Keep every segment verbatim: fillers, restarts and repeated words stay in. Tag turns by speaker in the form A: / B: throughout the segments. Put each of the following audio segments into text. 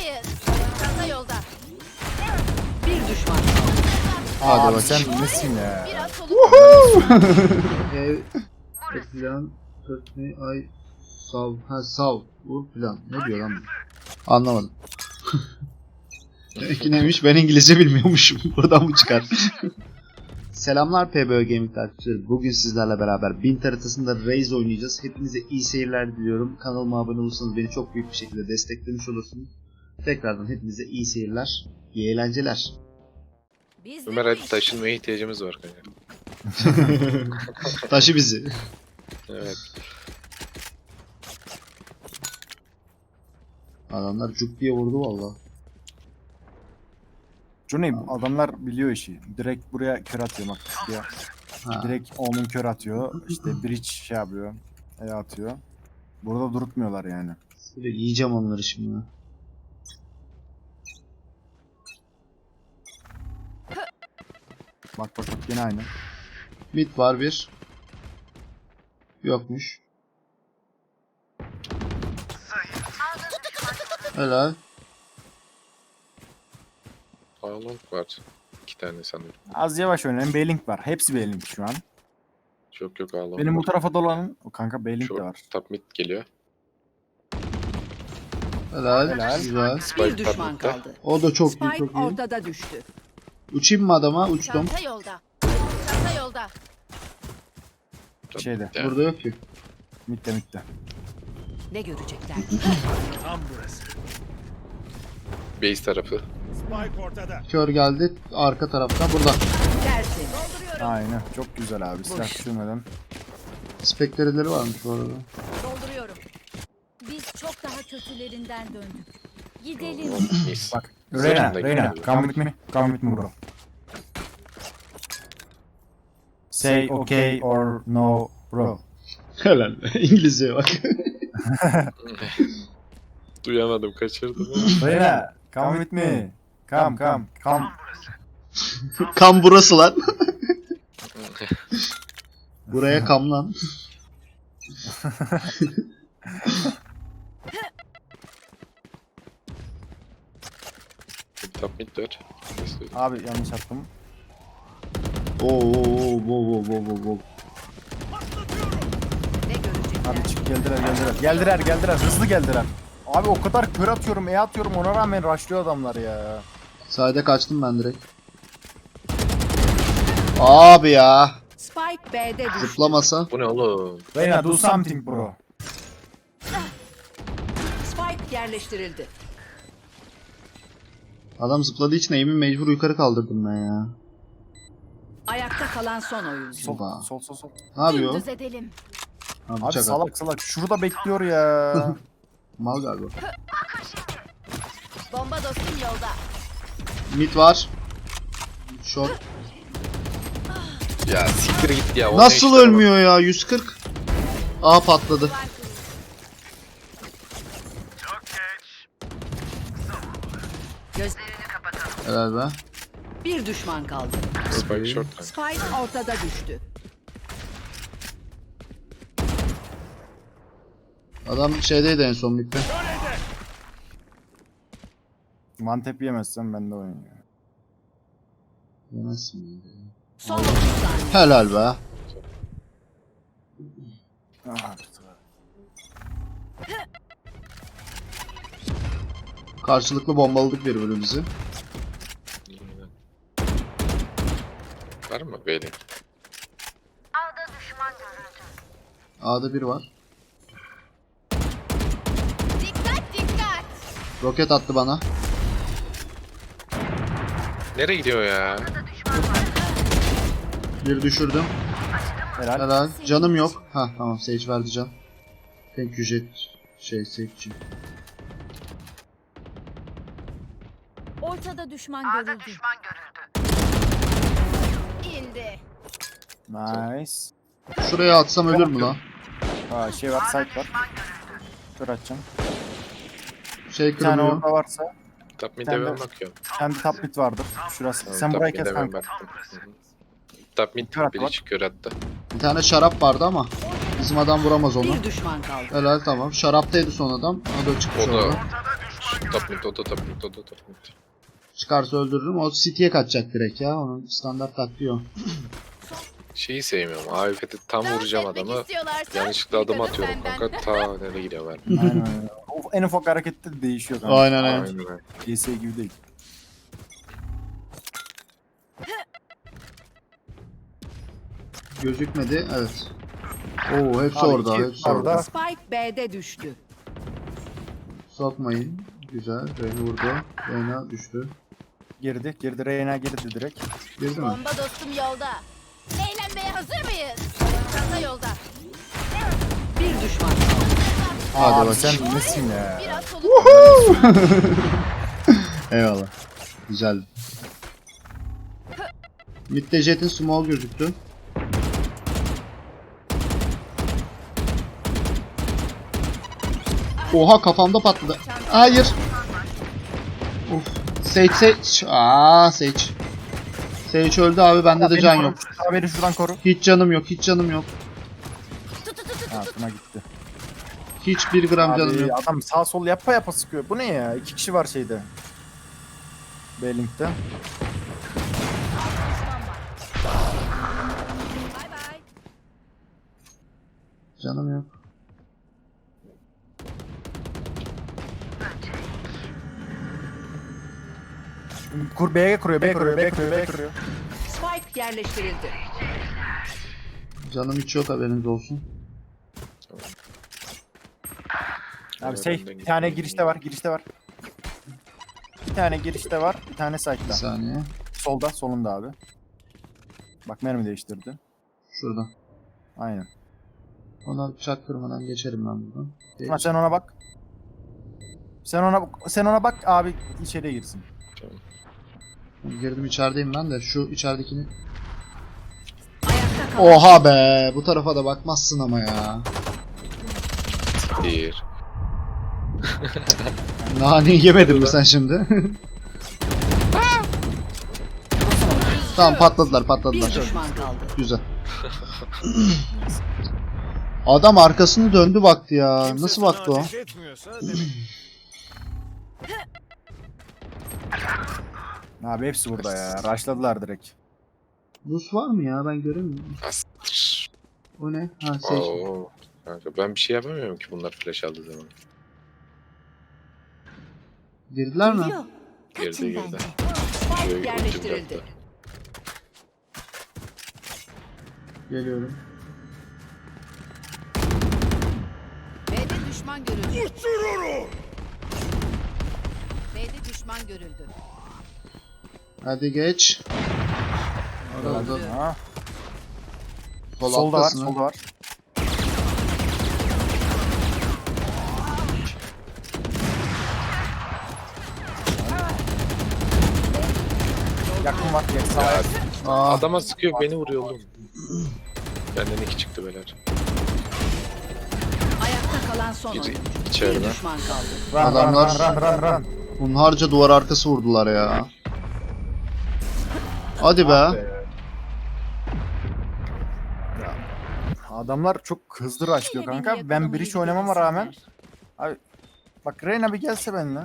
A: mıyız? Çanta yolda.
B: Bir düşman.
C: Hadi
D: Abi
C: bak.
D: sen nesin ya?
A: Biraz soluk.
C: Ev plan kötü ay sav ha sav vur plan. Ne diyor lan bu? Anlamadım. Demek ki neymiş, ben İngilizce bilmiyormuşum. Buradan mı çıkar? Selamlar P B Ö Gaming takipçileri. Bugün sizlerle beraber Bint haritasında Raze oynayacağız. Hepinize iyi seyirler diliyorum. Kanalıma abone olursanız beni çok büyük bir şekilde desteklemiş olursunuz. Tekrardan hepinize iyi seyirler, iyi eğlenceler.
A: Biz de
E: Ömer
A: bu
E: hadi
A: iş-
E: taşınmaya ihtiyacımız var kanka.
C: Taşı bizi.
E: Evet.
C: Adamlar cuk diye vurdu valla.
D: Johnny adamlar biliyor işi. Direkt buraya kör atıyor bak. Ya.
C: Ha.
D: Direkt onun kör atıyor. İşte bridge şey yapıyor. E atıyor. Burada durutmuyorlar yani.
C: Böyle yiyeceğim onları şimdi.
D: Bak bak bak yine aynı.
C: Mid var bir. Yokmuş. Helal.
E: Ağlong var. İki tane sanırım.
D: Az yavaş oynayın. B-Link var. Hepsi B-Link şu an.
E: Çok yok Ağlong
D: Benim bu
E: var.
D: tarafa dolanın. O kanka B-Link de var.
E: Short, top mid geliyor.
C: Helal.
D: Helal.
C: Güzel.
B: Bir
E: Spike
B: düşman
E: top midde.
B: kaldı.
C: O da çok iyi,
B: Spike
C: çok iyi.
B: ortada düştü.
C: Uçayım mı adama? Uçtum.
A: Çanta yolda. Çanta yolda.
E: Top
D: Şeyde.
E: midde.
C: Burada yok ki.
D: Mitte mitte.
B: Ne görecekler?
E: Base tarafı.
C: Kör geldi. Arka taraftan. Burada.
B: Dersin.
D: Aynen. Çok güzel abi. Silah düşürmeden.
C: Spekterileri varmış bu arada.
A: Dolduruyorum. Biz çok daha kötülerinden döndük. Gidelim.
E: Mis.
D: Bak.
E: Zırhında
D: Reyna. Reyna.
E: gidiyor.
D: Come with me. Come with me bro. Say okay or no bro.
C: Helal. İngilizceye bak.
E: Duyamadım, kaçırdım.
D: Reyna. Come with me. Come come come.
C: Kam burası lan. Buraya kam lan.
E: Top mid var. İstedim.
D: Abi yanlış attım.
C: Oo oo oo oo oo oo oo.
B: Ne görecekler?
D: Abi çık geldiler geldiler. Geldiler geldiler hızlı geldiler. Abi o kadar kör atıyorum E atıyorum ona rağmen rushlıyor adamlar ya.
C: Sayede kaçtım ben direkt. Abi ya.
B: Spike B'de düştü.
C: Zıplamasa.
E: Bu ne oğlum?
D: Reyna do something bro.
B: Spike yerleştirildi.
C: Adam zıpladığı için aim'i mecbur yukarı kaldırdım ben ya.
B: Ayakta kalan son oyuncu.
D: Sol
C: Baba.
D: sol sol sol.
C: Ne yapıyor?
A: Dümdüz edelim.
C: Ha,
D: Abi
C: bıçak at.
D: salak salak şurada bekliyor ya.
C: Mal galiba.
A: Bomba dostum yolda.
C: Mid var. Short.
E: Ya siktir git ya. o ne
C: Nasıl
E: işler bak.
C: ölmüyor ya? yüz kırk. Aa patladı.
B: Gözlerini kapatalım.
C: Helal be.
B: Bir düşman kaldı.
E: Spike short kanka.
B: Spike ortada düştü.
C: Adam şeydeydi en son midde.
D: Mantep yemezsem ben de oynuyorum.
C: Yemezsin.
B: Son otuz saniye.
C: Helal be.
D: Ah,
C: Karşılıklı bombaladık birbirimizi.
E: Var mı böyle?
C: A'da bir var.
A: Dikkat dikkat.
C: Roket attı bana.
E: Nereye gidiyor ya?
C: Bir düşürdüm.
D: helal.
C: Helal. Canım yok. Ha tamam, Sage verdi can. Thank you Jet. Şey Sage'ci.
A: Ortada düşman görüldü. İndi.
D: Nice.
C: Şuraya atsam ölür mü lan?
D: Aa şey var site var. Kör atacağım.
C: Şey
D: Bir tane
C: kırılıyor.
D: orada varsa
E: Top mid'e
D: Sen de-
E: ben bakıyorum.
D: kendi top mid vardır. Şurası.
E: Tamam,
D: Sen
E: top
D: burayı kes
E: mid'e ben
D: kanka.
E: baktım. Hı hı. Top mid
D: Kör at
E: biri
D: bak.
E: çıkıyor hatta.
C: Bir tane şarap vardı ama bizim adam vuramaz onu.
B: Bir düşman kaldı.
C: Helal tamam. Şaraptaydı son adam. O da çıkmış
E: O da
C: orada.
E: Top mid, o da top mid, o da top mid.
C: Çıkarsa öldürürüm. O City'ye kaçacak direkt ya. Onun standart taktiği o.
E: Şeyi sevmiyorum. A W P'de tam
A: Dans
E: vuracağım
A: etmek
E: adamı.
A: istiyorlarsa
E: Yanlışlıkla adım
A: dikkat
E: atıyorum
A: benden.
E: kanka. Ta nereye gidiyor ben.
D: Aynen öyle. O en ufak harekette de değişiyor kanka.
C: Aynen aynen.
E: Aynen öyle.
D: C S gibi değil.
C: Gözükmedi. Evet. Oo hepsi
D: Abi
C: orada.
D: iki
C: Hepsi
D: orada.
C: orada.
B: Spike B'de düştü.
C: Sokmayın. Güzel. Reyna vurdu. Reyna düştü.
D: Girdi. Girdi. Reyna girdi direkt.
C: Girdi mi?
A: Bomba dostum yolda. Eğlenmeye hazır mıyız? Çanta yolda.
B: Bir düşman kaldı.
C: Hadi
D: Abi
C: bakayım.
D: sen nesin ya?
A: Biraz soluk.
C: Eyvallah. Güzel. Mid'de Jet'in small gözüktü. Oha kafamda patladı. Hayır. Of. Sage Sage. Aa Sage. Sage öldü abi bende de
D: Beni
C: can
D: koru.
C: yok.
D: Abi beni şuradan koru.
C: Hiç canım yok. Hiç canım yok.
D: Ha buna gitti.
C: Hiç bir gram canım
D: Abi
C: yok.
D: adam sağ sol yapa yapa sıkıyor. Bu ne ya? İki kişi var şeyde. B-Link'te.
A: Bay bay.
C: Canım yok.
D: Kur B'ye kuruyor, B kuruyor, B kuruyor, B kuruyor.
B: Spike yerleştirildi.
C: Canım hiç yok haberiniz olsun.
D: Abi şey, bir tane girişte var, girişte var. Bir tane girişte var, bir tane
C: Bir
D: site'da.
C: saniye.
D: Solda, solunda abi. Bak mermi değiştirdi.
C: Şurada.
D: Aynen.
C: Ona çaktırmadan geçerim ben buradan.
D: Ha, sen ona bak. Sen ona sen ona bak abi içeriye girsin.
C: Girdim içerideyim ben de şu içeridekini.
B: Ayakta kalan
C: Oha be bu tarafa da bakmazsın ama ya.
E: Bir.
C: Naneyi yemedin mi sen şimdi? Tamam patladılar
B: bir
C: patladılar.
B: düşman kaldı.
C: Güzel. Adam arkasını döndü baktı ya.
F: Kimse
C: Nasıl
F: sana
C: baktı o?
F: ateş etmiyorsa demek
D: Abi hepsi burada ya. Rushladılar direkt.
C: Rus var mı ya ben göremiyorum.
E: Astır.
C: O ne? Ha şey.
E: Oo. Kanka ben bir şey yapamıyorum ki bunlar flash aldığı zaman.
C: Girdiler mi?
E: Girdi girdi.
B: Spike
E: Şöyle
B: yerleştirildi.
E: ultim yaptı.
C: Geliyorum.
B: B'de düşman görüldü. B'de düşman görüldü.
C: Hadi geç. Orada
D: Ha.
C: sol
D: Solda var,
C: alttasın ha.
D: solda var. Yakın var, yakın sağ
E: Ya,
C: Aa,
E: adama sıkıyor beni vuruyor oğlum. Benden iki çıktı beyler.
B: Ayakta kalan son
E: Biri
B: oyuncu. Bir
E: içeride.
B: düşman kaldı.
D: Run, run,
C: Adamlar-
D: run, run, run, run.
C: hunharca duvar arkası vurdular ya. Hadi be.
D: Adamlar çok hızlı rushlıyor kanka. Ben bir iş oynamama rağmen. Abi bak Reyna bir gelse benimle.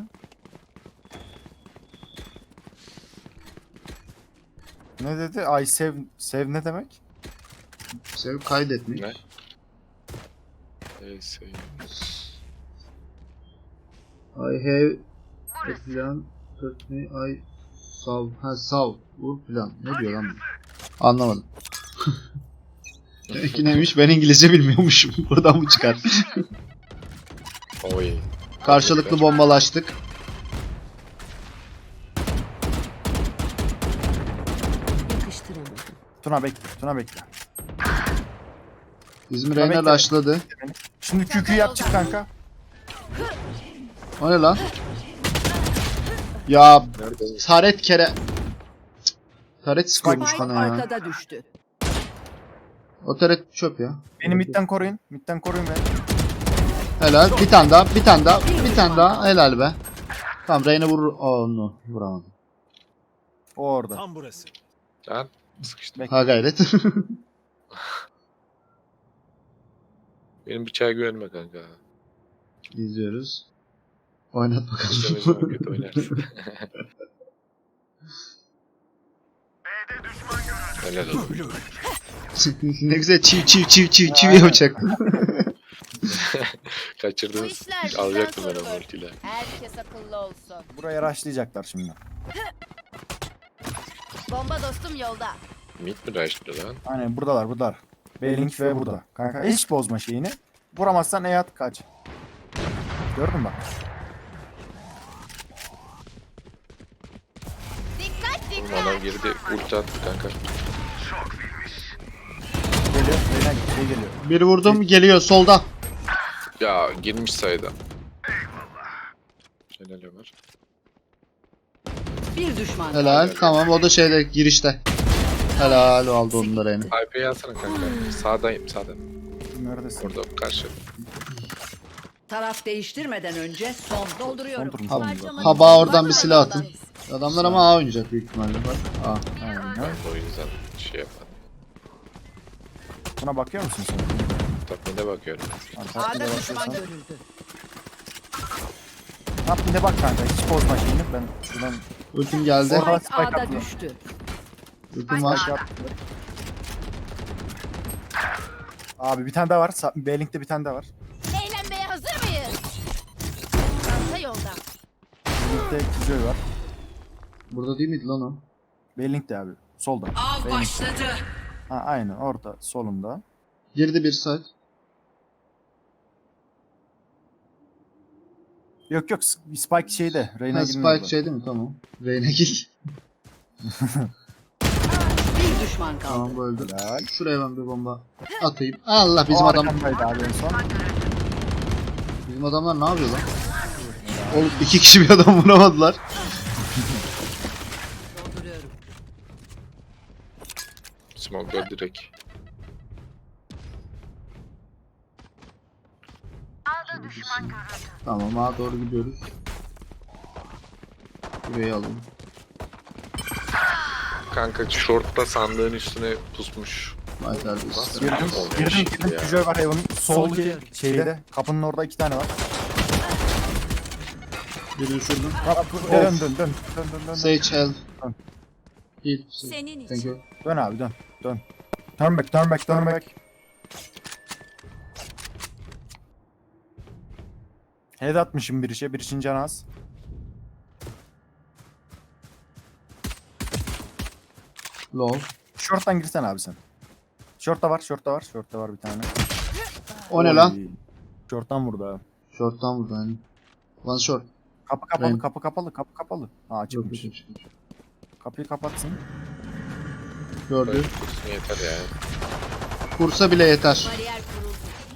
D: Ne dedi? Ay sev sev ne demek?
C: Sev kaydetmek.
E: Ne? Neyse.
C: I have a plan. Put me I saw. Ha saw. Bu plan. Ne diyor lan bu? Anlamadım. Demek ki neymiş? Ben İngilizce bilmiyormuşum. Buradan mı çıkar?
E: Oy.
C: Karşılıklı bombalaştık.
B: Yakıştıramadım.
D: Tuna bekle. Tuna bekle.
C: Bizim
D: Tabii
C: Reyna
D: ki.
C: rushladı.
D: Şimdi kükü yapacak kanka.
C: O ne lan? Ya
E: Nerede?
C: taret kere... Cık, taret sıkıyormuş
B: Spike
C: bana ya.
B: arkada düştü.
C: O taret çöp ya.
D: Beni midden koruyun. Midden koruyun beni.
C: Helal. Bir tane daha. Bir tane daha. Bir tane daha. Helal be. Tamam Reyna vurur. Oh no. Vuramadım.
D: O orada.
F: tam burası.
E: Lan sıkıştı.
C: Ha gayret.
E: Benim bıçağa güvenme kanka.
C: İzliyoruz. Oynat
E: İstemez
C: bakalım.
E: zaman kötü oynarsın. Helal olsun.
C: Ne güzel çiv çiv çiv çiv çiv
D: Aynen.
C: yapacaktım.
A: Bu
E: Kaçırdınız.
A: işler bizden
E: Alacaktım ben o
A: sorulur.
E: ultiyle.
A: Herkes akıllı olsun.
D: Buraya rushlayacaklar şimdi.
A: Bomba dostum yolda.
E: Mid mi rushlıyor lan?
D: Aynen buradalar buradalar. B-Link ve burada. Kanka hiç bozma şeyini. Vuramazsan E at kaç. Gördün mü bak.
A: Dikkat
E: Bana
A: dikkat.
E: girdi. Ulti attı kanka.
D: Geliyor. Beyler şey geliyor.
C: Bir vurdum geliyor solda.
E: Ya girmiş sayıda. Helal Ömer.
B: Bir düşman kaldı.
C: Helal tamam o da şeyde girişte. Helal aldı onları yani.
E: I P'yi alsana kanka. Sağdayım sağda.
D: Neredesin?
E: Orada karşı.
B: Taraf değiştirmeden önce son
D: Son
B: dolduruyorum.
D: turun
C: Ha-
D: sonunda.
C: Haba oradan bir silah atın. Adamlar ama A oynayacak büyük ihtimalle. Bak. A.
D: Aynen.
E: Ben de o yüzden şey yapmadım.
D: Buna bakıyor musun sen?
E: Tapmide bakıyorum.
B: A'da düşman görüldü.
D: Yap bir de bak kanka hiç bozma şeyini. Ben şuradan
C: Ultim geldi.
D: Orada
B: Spike
D: spike
B: A'da
D: atıyor.
B: düştü.
C: Ultim var.
D: spike yaptım. Abi bir tane daha var. Sa- B-Link'te bir tane daha var.
A: Eğlenmeye hazır mıyız? Çanta yolda.
D: B-Link'te Kizoy var.
C: Burada değil miydi lan o?
D: B-Link'te abi. Solda.
B: Av
D: B-Link.
B: başladı.
D: Ha aynen orada solunda.
C: Girdi bir side.
D: Yok yok Spike şeyde. Reyna
C: Ha,
D: girmiyor
C: Spike şey değil mi? Tamam. Reyna gir.
B: Bir düşman kaldı.
C: Tamam bu öldü.
D: Helal.
C: Şuraya ben bir bomba atayım. Allah bizim
D: O
C: adam.
D: arkamdaydı abi en son.
C: Bizim adamlar ne yapıyor lan? Oğlum iki kişi bir adam vuramadılar.
B: Dolduruyorum.
E: Smoke'da direkt.
C: Tamam A doğru gidiyoruz. Burayı alalım.
E: Kanka short'ta sandığın üstüne pusmuş.
C: Vay terbiyesiz.
D: Girdim.
E: Olmuyor
D: Girdim
E: şimdi
D: girdim.
E: ya.
D: Kizoy var Heaven'ın. Sol ki şeyde. Kapının orada iki tane var.
C: Bir düşürdüm.
D: Dön dön dön. Dön dön dön. dön.
C: Sage help.
D: Tamam.
C: Heal.
A: Senin
C: Thank
A: için.
C: you.
D: Dön abi dön. Dön. Turn back turn back turn back. Head atmışım bir işe. Bir işin canı az.
C: Low.
D: Short'tan girsen abi sen. Short'ta var, short'ta var, short'ta var bir tane.
C: O ne lan?
D: Oy. Short'tan vurdu abi.
C: Short'tan vurdu hani. One short.
D: Kapı kapalı,
C: Ben-
D: kapı kapalı, kapı kapalı. Ha
C: Yok,
D: açılmış.
C: yok, yok.
D: Kapıyı kapatsın.
C: Gördü.
E: Böyle kursun yeter ya.
C: Kursa bile yeter.
A: Bariyer kuruldu.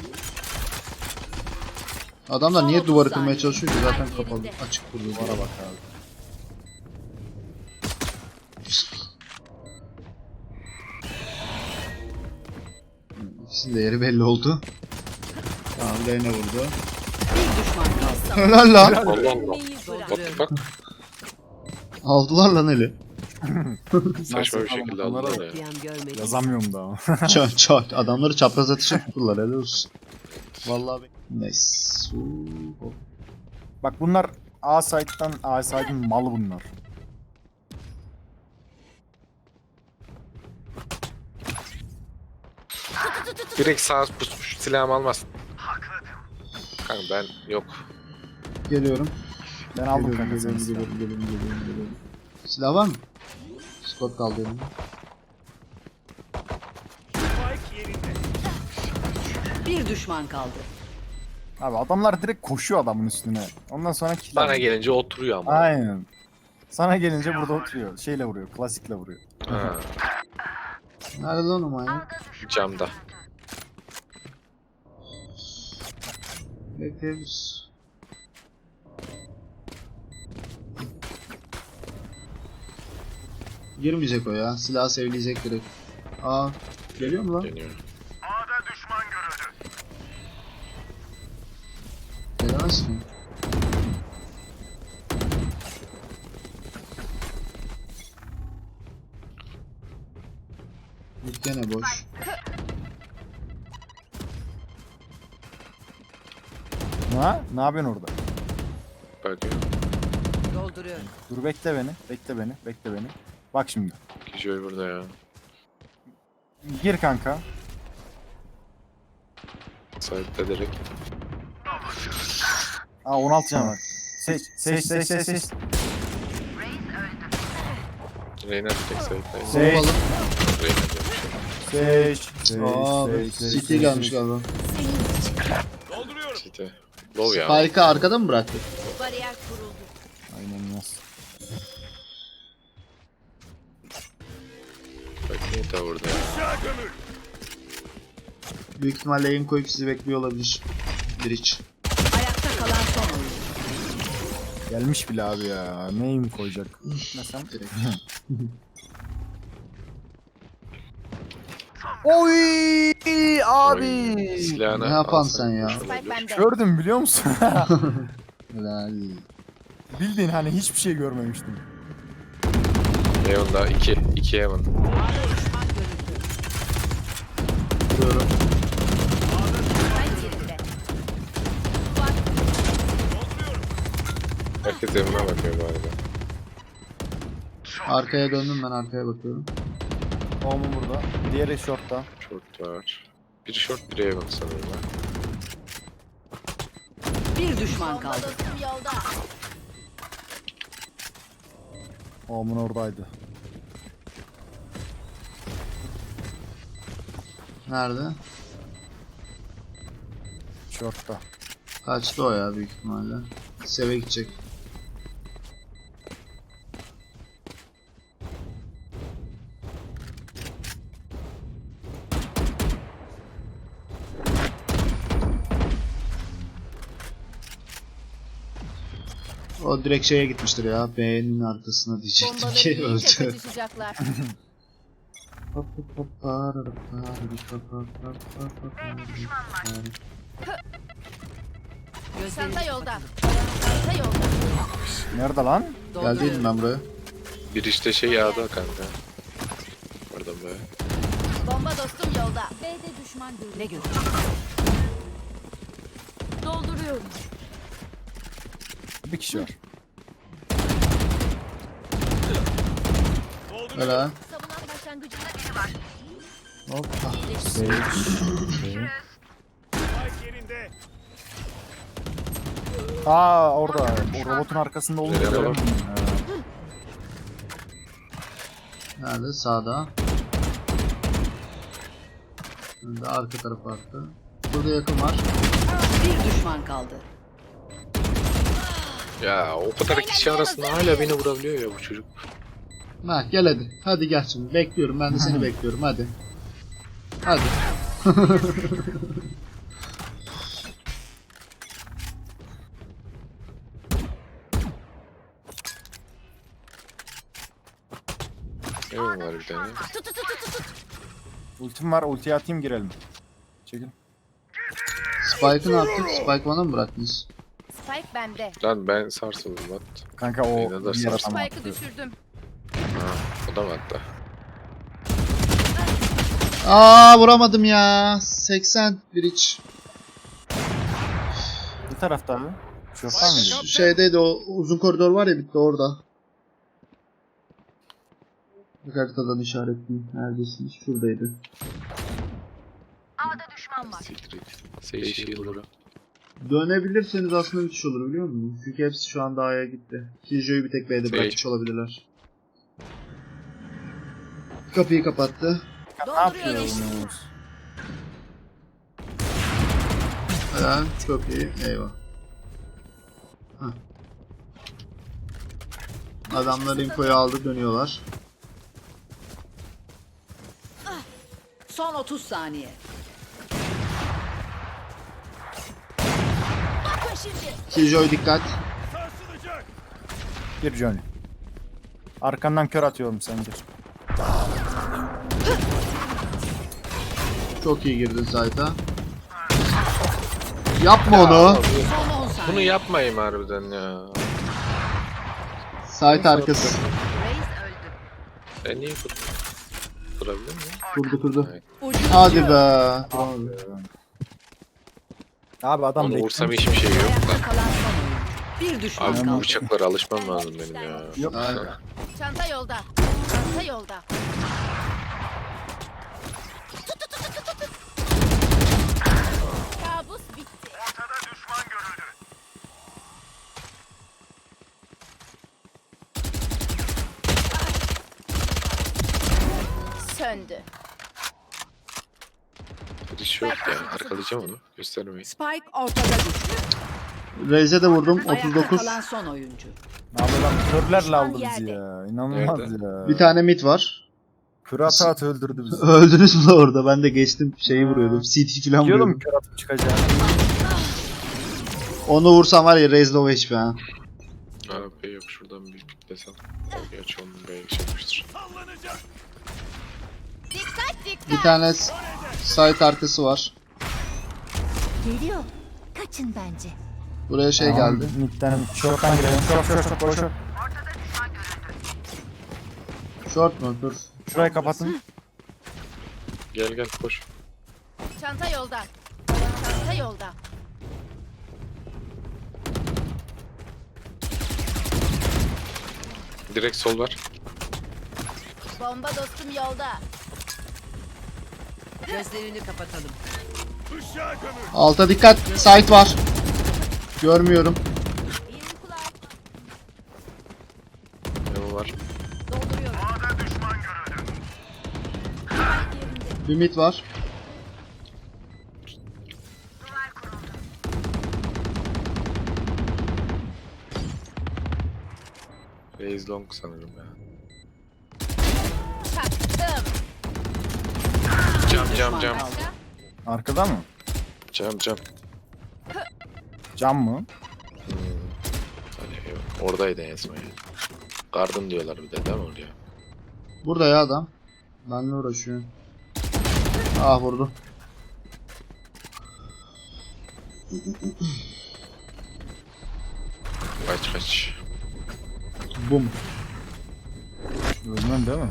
C: Adamlar
A: Son
C: niye
A: otuz
C: duvarı kırmaya
A: saniye.
C: çalışıyor ki zaten
A: Spike
C: kapalı.
A: yerinde.
C: Açık duruyor.
D: Duvara bak abi.
C: İkisinin de yeri belli oldu. Tamam Leyne vurdu.
B: Bir düşman kaldı.
C: Helal lan.
E: Allah Allah.
A: Meyi bırak.
E: What the fuck?
C: Aldılar lan eli.
E: Saçma bir
D: Nasıl
E: şekilde
D: falan, bunlara
E: aldılar ya.
B: Diyen görmedim.
D: Yazamıyorum da ama.
C: Çok çok. Adamları çapraz atışa tuttular. Helal olsun. Vallahi be. Nice. Uuu.
D: Bak bunlar A site'dan A site'in malı bunlar.
E: Direkt sağ pusmuş. Silahımı almaz. Kanka ben yok.
C: Geliyorum.
D: Ben aldım
C: Geliyorum,
D: kanka
C: geliyorum,
D: seni.
C: geliyorum, geliyorum, geliyorum, geliyorum. Silah var mı? Skot kaldı elimde.
B: Bir düşman kaldı.
D: Abi adamlar direkt koşuyor adamın üstüne. Ondan sonra kill
E: Bana
D: alıyor.
E: gelince oturuyor ama.
D: Aynen. Sana gelince burada oturuyor. Şeyle vuruyor, klasikle vuruyor.
E: Ha,
C: Nerede lan o manyak?
E: camda.
C: Bekleyebiliriz. Girmeyecek o ya. Silah sevleyecek direkt. Aa, geliyor mu lan?
E: Deniyor.
C: Gelemez ki. Bir gene boş.
D: Ha? Ne yapıyorsun orada?
E: bakıyor.
B: Dolduruyorum.
D: Dur bekle beni. Bekle beni. Bekle beni. Bak şimdi.
E: Kijoy burada ya.
D: Gir kanka.
E: Sahipte direkt.
D: Aa on altı can var. Seç. Seç seç seç seç.
E: Reyna tek sahipte.
D: Seç.
C: Bombalı.
E: Reyna diyorum.
D: Seç. Seç.
C: Aa,
D: seç, seç,
C: City
D: seç,
C: gelmiş
D: seç.
C: galiba.
E: City. Low ya.
C: Spike'ı arkada mı bıraktı?
A: Bariyer kuruldu.
D: Aynen nasıl?
E: Bak niye de burada ya.
C: Büyük ihtimalle yayın koyup sizi bekliyor olabilir. Bridge.
B: Ayakta kalan son oyuncu.
D: Gelmiş bile abi ya. Neyim koyacak? Mesela.
C: Direkt.
D: Oy abi.
E: Oy, silahını
C: Ne yapan
E: alsan
C: sen ya?
E: kurşun
A: Spike
E: olur.
A: bende.
D: Gördüm biliyor musun?
C: Helal.
D: Bildiğin hani hiçbir şey görmemiştim.
E: Heaven'da iki. iki Heaven.
C: Vuruyorum.
A: Spike yerinde.
E: Herkes Heaven'a bakıyor bu arada.
C: Arkaya döndüm, ben arkaya bakıyorum.
D: Oğlum burada. Diğeri shortta.
E: Short var. Biri short, biri Heaven sanırım ha.
B: Bir düşman
A: Bomba
B: kaldı.
A: dostum yolda.
D: Oğlum oradaydı.
C: Nerede?
D: Shortta.
C: Kaçtı o ya büyük ihtimalle. Seve gidecek. O direkt şeye gitmiştir ya. B'nin arkasına diyecektim
A: Bombaları
C: ki
A: yiyince
C: öldü.
A: kaçışacaklar. Çanta yolda. Çanta yolda.
D: Nerede lan?
C: Geldiydim ben buraya.
E: Bir işte şey yağda kanka. Pardon be.
A: Bomba dostum yolda. B'de düşman görüldü.
B: Ne gördün?
A: Dolduruyorum.
D: Bir kişi var.
C: Helal.
A: Savunan başlangıcında biri var.
C: Hoppa.
D: Sage. Aa orada. O robotun arkasında olunca
E: Nereye
D: göremedim.
E: bak?
D: Ha.
C: Nerede? Sağda. Şimdi arka tarafa attı. Burada yakın var.
B: Bir düşman kaldı.
E: Ya o kadar kişi arasında hala beni vurabiliyor ya bu çocuk.
C: Ha gel hadi. Hadi gel şimdi. Bekliyorum. Ben de seni bekliyorum. Hadi. Hadi.
E: Heaven var bir tane.
D: Ultim var. Ultiyi atayım girelim. Çekil.
C: Spike'ı ne yaptık? Spike bana mı bıraktınız?
A: Spike bende.
E: Lan ben sarsıldım lan.
D: Kanka o
E: Yine de
D: diğer
E: sarsın.
D: adam
A: Spike'ı
D: attı.
A: düşürdüm.
E: Ha, o da mı hatta?
C: Aa vuramadım ya. seksen bir iç.
D: Bir tarafta abi. Şorttan mıydı?
C: Şu şeydeydi, o uzun koridor var ya, bitti orada. Bir haritadan işaretleyeyim. Neredesiniz? Şuradaydı.
E: Siktir et. Sage Shield'ı.
C: Dönebilirseniz aslında müthiş olur biliyor musun? Çünkü hepsi şu anda A'ya gitti. Killjoy'u bir tek B'de bırakmış olabilirler. Kapıyı kapattı.
D: Ne yapıyorsunuz?
C: Helal. Çok iyi. Eyvah. Hah. Adamlar infoyu aldı, dönüyorlar.
B: Son otuz saniye.
A: Bakın şimdi.
C: Killjoy dikkat.
D: Gir Johnny. Arkandan kör atıyorum sen gir.
C: Çok iyi girdin site'a. Yapma onu.
B: Son on
E: Bunu
B: saniye.
E: yapmayayım harbiden ya.
C: Site arkası.
B: Reis öldü.
E: Ben niye kurdum? Kurabilir miyim?
C: Kurdu kurdu.
E: Evet.
B: Ucu
C: Hadi
B: ucu.
C: be.
D: Abi adam
E: Onu
D: bekliyor.
E: vursam hiçbir şey yok
B: Ayakta
E: lan.
B: kalan son oyuncu. Bir düşman
E: Abi bu
B: kaldı.
E: bıçaklara alışmam lazım benim ya.
D: Yok.
C: Aynen.
A: Çanta yolda. Çanta yolda. Kabus bitti. Söndü.
E: Hiç yok ya. Arkalayacağım onu. Göstermeyin.
B: Spike ortada düştü.
C: Raze'e de vurdum. otuz
B: Ayakta
C: dokuz.
B: kalan son oyuncu.
D: Abi lan körlerle
A: Düşman
D: aldı bizi
A: yerde.
D: ya. İnanılmaz
E: Nerede?
D: ya.
C: Bir tane mid var.
D: Kör ata at öldürdü bizi.
C: Öldünüz mü orada? Ben de geçtim şeyi vuruyordum. C T falan
D: Diyordum
C: vuruyordum.
D: kör atıp çıkacağını.
C: Onu vursam var ya Raze low H P ha.
E: Abi yok şuradan bir desem. Gerçi onun B'ye çekmiştir.
A: Dikkat dikkat.
C: Bir tane s- site arkası var.
A: Geliyor. Kaçın bence.
C: Buraya şey geldi.
D: Midden short'tan girelim. Short short short boş short.
C: Short mu? Dur.
D: Şurayı kapatın.
E: Gel gel koş.
A: Çanta yolda. Çanta yolda.
E: Direkt sol var.
A: Bomba dostum yolda.
B: Gözlerini kapatalım.
C: Alta dikkat. Site var. Görmüyorum.
A: İyi uykular.
E: Ne var?
A: Dolduruyorum.
C: Bir mid var.
E: Raze long sanırım ya.
A: Çaktım.
E: Cam
B: Bir
E: cam
B: düşman
E: cam.
B: kaldı.
D: Arkada mı?
E: Cam cam.
D: Cam mı?
E: Hmm. Hani yok. Oradaydı en son ya. Garden diyorlar bir de değil mi oraya?
C: Burada ya adam. Benle uğraşıyor. Ah vurdu.
E: Kaç kaç.
C: Bum.
D: Ölmem değil mi?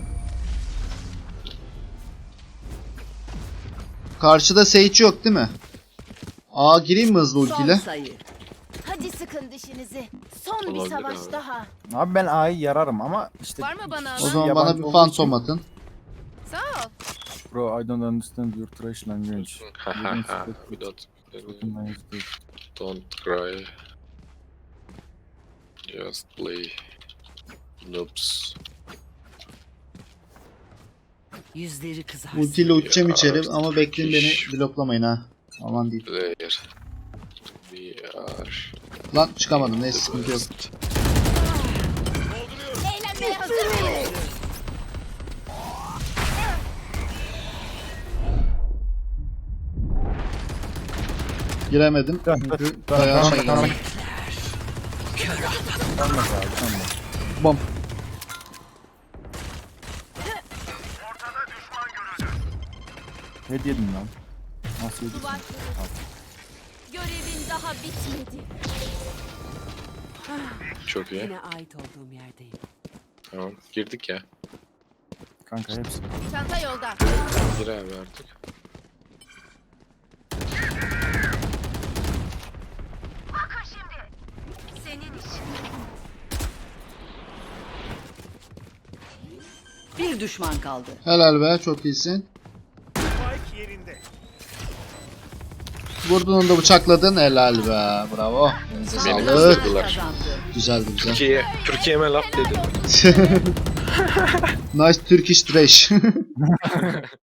C: Karşıda Sage yok değil mi? Aa gireyim mi hızlı
B: Son
C: ultiyle?
B: sayı.
A: Hadi sıkın dişinizi. Son bir
E: Olabilir
A: savaş
E: abi.
A: daha.
D: Abi ben A'yı yararım ama işte...
A: Var mı bana
C: O
A: alan?
C: zaman bana
D: Yabancı
C: bir
D: olduğu
C: phantom
D: için-
C: atın.
A: Sağ ol.
D: Bro, I don't understand your trash language.
E: Ha ha ha. We don't, don't cry. Just play. Noobs.
B: Yüzleri kızarsın.
C: Ultiyle uçacağım
E: Ya,
C: içeri ama bekleyin
E: iş.
C: beni bloklamayın ha. Aman değil.
E: Player. We are
C: Lan çıkamadım neyse
E: the
C: sıkıntı yok.
E: best.
A: Eğlenmeye hazır mıyız?
C: Giremedim
D: Dön,
C: çünkü
D: dön,
C: bayağı
D: dön,
C: şey
D: dön,
C: geldi.
D: Dönmez abi, dönmez.
C: Bom.
D: Ne yedin lan? Nasıl yedin?
A: Duvar kırıldı. Görevin daha bitmedi.
E: Çok iyi.
B: Yine ait olduğum yerdeyim.
E: Tamam. Girdik ya.
D: Kanka hepsi.
A: Çanta yolda.
E: Gir abi artık.
B: Bir düşman kaldı.
C: Helal be çok iyisin. Vurdun onu da bıçakladın helal be bravo. Elinize
E: Beni
C: sağlık.
E: kızdırdılar.
B: Kazandı.
C: Güzeldi güzel.
E: Türkiye, Türkiye'me laf dedi.
C: Nice Turkish trash.